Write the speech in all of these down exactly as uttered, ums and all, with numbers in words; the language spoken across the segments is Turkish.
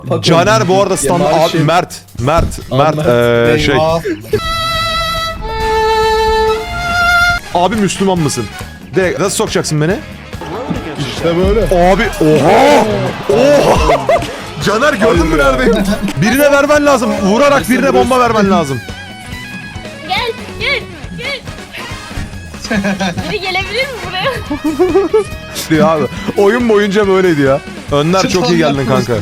Caner bu arada stand abi Mert Mert Mert eee şey abi Müslüman mısın? De nasıl sokacaksın beni? İşte böyle. Abi oha! Oha! Caner gördün mü neredeyim? Birine vermen lazım. Vurarak birine bomba vermen lazım. Gel, gel, gel. Biri gelebilir mi buraya? Diyor abi. Oyun boyunca böyleydi ya. Önder çok iyi geldin kanka.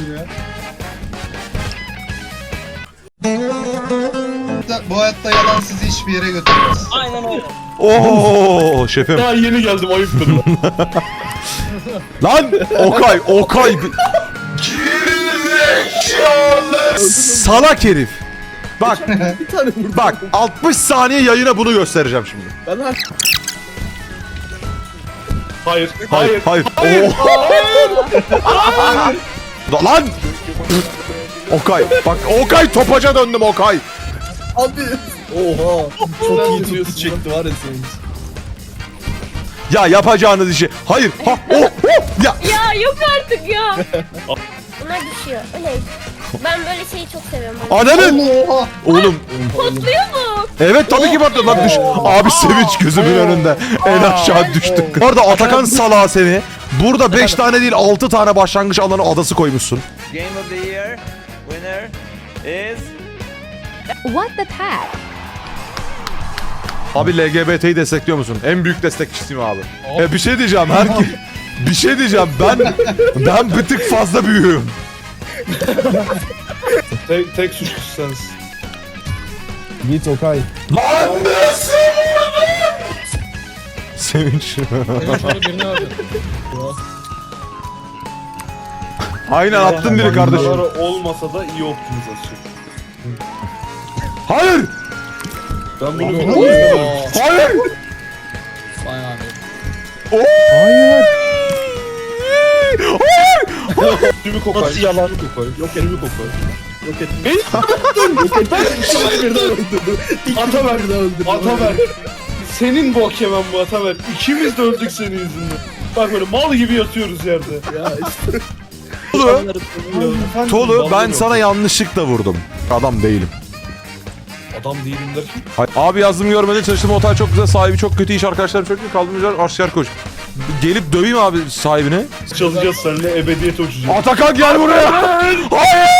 Bu hayatta yalan sizi hiçbir yere götürmez. Aynen öyle. Oo şefim. Daha yeni geldim ayıptır lan. Lan Okay, Okay. Salak herif. Bak, bak altmış saniye yayına bunu göstereceğim şimdi. Ben her... Hayır, Hayır, hayır. hayır. Oo. Lan! Okay, bak Okay topaca döndüm Okay. Abi. Oha. Çok iyi tuttu çekti var ya senin. Ya yapacağınız işi. Hayır. Ha, oh, oh, ya. Ya yok artık ya. Bunlar düşüyor. Öyle. Ben böyle şeyi çok seviyorum. Ananın. Oğlum. Patlıyor mu? Evet tabii ki patladı lan düş. Abi sevinç gözümün önünde. En aşağı düştük. Orada Atakan salağı seni. Burada beş tane değil altı tane başlangıç alanı adası koymuşsun. Game of the year winner is What the heck? Abi L G B T'yi destekliyor musun? En büyük destekçisiyim abi. E bir şey diyeceğim herki. Bir şey diyeceğim ben ben bir tık fazla büyüğüm. Tek, tek suçlusu sensin. Git Okay. Lan nasıl? Sevinç. Aynen attın biri kardeşim. Bunlar olmasa da iyi optimizasyon. Hayır! Ben bunu bilmiyorum. Hayır! Hayır. Tümü kokay. Nasıl yalan? Kokay. Yok elimi kokay. Yok et. Beni Yok et. Ataber. Ataber. Senin bok yemem bu Ataber. İkimiz de öldük senin yüzünden. Bak böyle mal gibi yatıyoruz yerde. Ya işte. Tolu, Tolu ben sana yanlışlıkla vurdum. Adam değilim. Adam değilim derken. Hayır. Abi yazdım görmedin çalıştım otel çok güzel sahibi çok kötü iş arkadaşlarım çok iyi kaldırmışlar asker koş. Gelip döveyim abi sahibini. Çalacağız seninle ebediyete uçacağız. Atakan gel buraya. Hayır.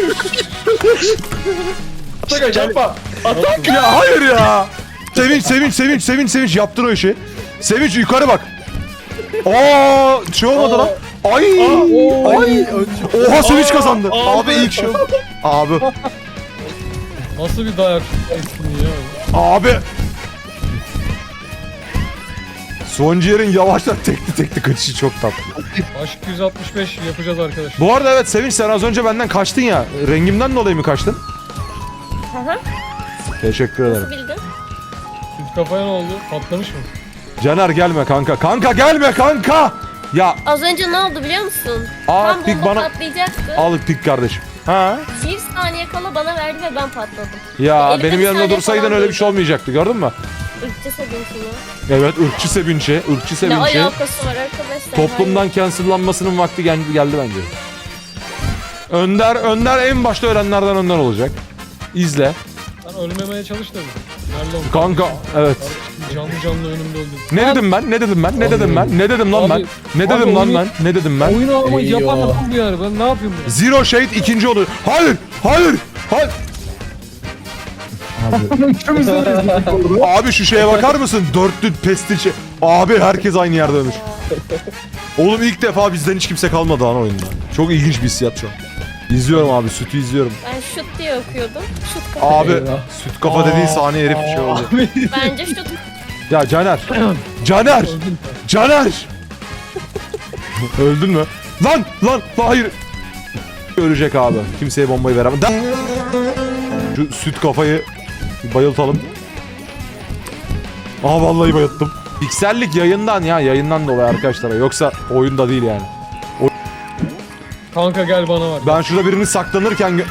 Atakan yapma. Atakan ya hayır ya. Sevinç sevinç sevinç sevinç sevinç yaptın o işi. Sevinç yukarı bak. Aa şey olmadı lan. Ay. Ay. Oha Sevinç kazandı. Abi ilk şey. Abi. Nasıl bir dayak etkinliği ya? Abi. Son ciğerin yavaştan tekli tekli kaçışı çok tatlı. Aşk yüz altmış beş yapacağız arkadaşlar. Bu arada evet Sevinç sen az önce benden kaçtın ya. Rengimden dolayı mı kaçtın? Hı hı. Teşekkür ederim. Nasıl bildin? Süt kafaya ne oldu? Patlamış mı? Caner gelme kanka. Kanka gelme kanka. Ya Az önce ne oldu biliyor musun? Aa, Tam pik bomba bana- patlayacaktı. al pik kardeşim. Ha? Bir saniye kala bana verdi ve ben patladım. Ya Elimde benim bir yanımda saniye dursaydın falan öyle bir durdu. şey olmayacaktı gördün mü? Irkçı sevinçini. Evet ırkçı Sevinç'e, ırkçı Ne Sevinç'e. alakası var arkadaşlar? Toplumdan cancellanmasının vakti gel geldi bence. Önder, Önder en başta ölenlerden Önder olacak. İzle. Sen ölmemeye çalış da bir. Nerede oldun? Kanka evet. Canlı canlı önümde öldün. Ne dedim ben? Ne dedim ben? Ne dedim ben? Ne dedim lan ben? Abi- Ne abi dedim lan oyunu- ben? Ne dedim ben? Oyunu ama Eyvah. yapan adam bu yani. Ben ne yapayım bunu? Zero Shade ikinci oluyor. Hayır! Hayır! Hayır! Abi şu şeye bakar mısın? Dörtlü pestil şey. Abi herkes aynı yerde ölmüş. Oğlum ilk defa bizden hiç kimse kalmadı lan oyunda. Çok ilginç bir hissiyat şu an. İzliyorum abi sütü izliyorum. Ben şut diye okuyordum. Şut kafa. Abi süt kafa dediğin saniye herif şey oldu. Bence şut. Ya Caner. Caner. Caner. Öldün mü? Lan lan lan hayır. Ölecek abi. Kimseye bombayı veremem. Da- Şu süt kafayı bir bayıltalım. Aa vallahi bayılttım. Piksellik yayından ya yayından dolayı arkadaşlar. Yoksa oyunda değil yani. Kanka gel bana var. Ben şurada birini saklanırken gö-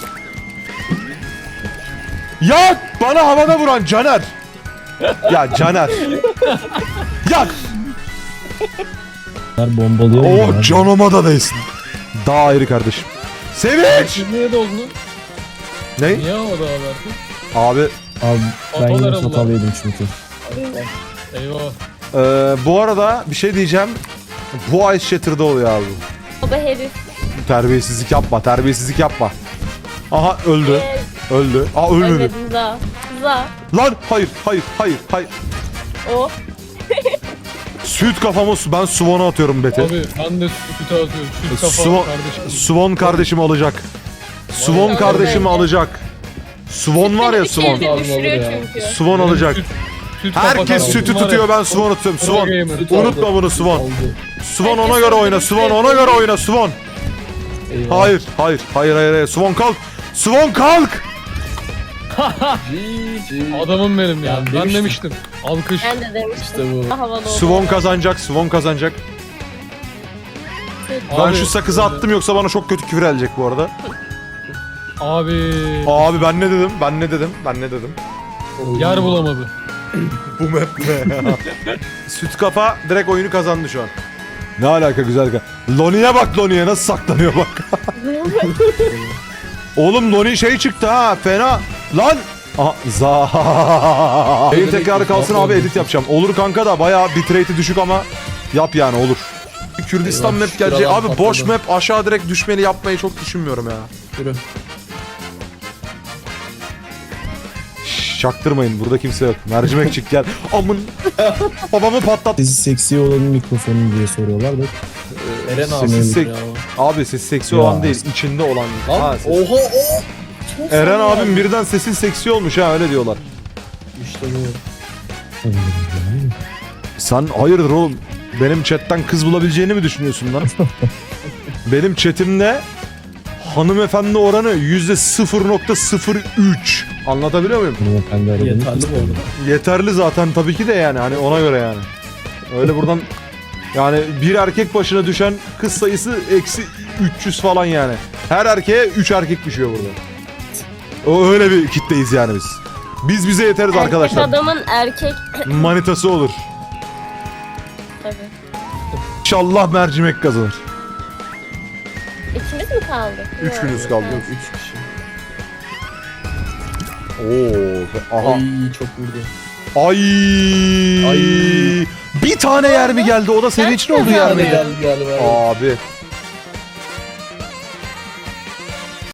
Ya bana havada vuran Caner. Ya Caner. Ya Bombalıyor. o canıma da değsin. Daha ayrı kardeşim. Sevinç! Niye doldun? Ne? Niye havada verdin? Abi Abi ben Hatalar yine Allah. hatalıydım çünkü. Eyvah. Ee, bu arada bir şey diyeceğim. Bu Ice Shatter'da oluyor abi. Baba herif. Terbiyesizlik yapma, terbiyesizlik yapma. Aha öldü, Ee, öldü. Aa ölmedi. ölmedim za. Za. Lan hayır, hayır, hayır, hayır. O. Süt kafamı su- ben Swan'a atıyorum Beti. Abi ben de sütü atıyorum. Süt kafa Swan, kardeşim. Swan kardeşimi alacak. Swan Vay, kardeşimi vay. alacak. Swan var ya Bir Swan. kere düşürüyor çünkü. Swan alacak. Süt, süt kafa Herkes kardeşim sütü var ya. tutuyor, ben Swan'ı tutuyorum. Pro Swan. gamer. Unutma bunu Swan. Oldu. Swan ona Herkes göre oyna. öldürüp Swan ona göre oyna Swan. Eyvah. Hayır, hayır, hayır, hayır, hayır. Swan kalk. Swan kalk. Adamım benim ya. Ben Ben demiştim. demiştim. Alkış. Ben de demiştim. İşte bu. Havalı oldu. Swan kazanacak, Swan kazanacak. Ben Abi, şu sakızı attım yoksa bana çok kötü küfür gelecek bu arada. Abi. Abi ben ne dedim? Ben ne dedim? Ben ne dedim? Yer bulamadı. Bu map ne? Süt kafa direkt oyunu kazandı şu an. Ne alaka güzel ka. Loni'ye bak Loni'ye nasıl saklanıyor bak. Oğlum Loni şey çıktı ha fena. Lan. Aha za. Yayın tekrarı kalsın abi edit yapacağım. Olur kanka da bayağı bitrate'i düşük ama yap yani olur. Kürdistan map gelecek. Abi boş map aşağı direkt düşmeli yapmayı çok düşünmüyorum ya. Yürü. Şşş, çaktırmayın burada kimse yok. Mercimek çık gel. Amın. Babamı patlat. Sesi seksi olanın mikrofonu diye soruyorlar da. Eren abi. Sesi sek- ya. Abi sesi seksi Ya. olan değil, içinde olan. Ha, Lan ses- oha o. Eren abim birden sesi seksi olmuş ha öyle diyorlar. İşte bu. Sen hayırdır oğlum? Benim chatten kız bulabileceğini mi düşünüyorsun lan? Benim chatimde hanımefendi oranı yüzde sıfır nokta sıfır üç. Anlatabiliyor muyum? Hanımefendi aradığını Yeterli bu arada. Yeterli zaten tabii ki de yani hani ona göre yani. Öyle buradan yani bir erkek başına düşen kız sayısı eksi üç yüz falan yani. Her erkeğe üç erkek düşüyor burada. O öyle bir kitleyiz yani biz. Biz bize yeteriz Erkek arkadaşlar. adamın erkek. Manitası olur. Tabii. İnşallah mercimek kazanır. İkimiz mi kaldık? Üç Yok. günüz kaldı. Yok üç kişi. Oo, aha. Ay çok vurdu. Ay. Ay. Bir tane yer mi geldi? O da senin için oldu yer Hadi miydi? gel gel ver. Abi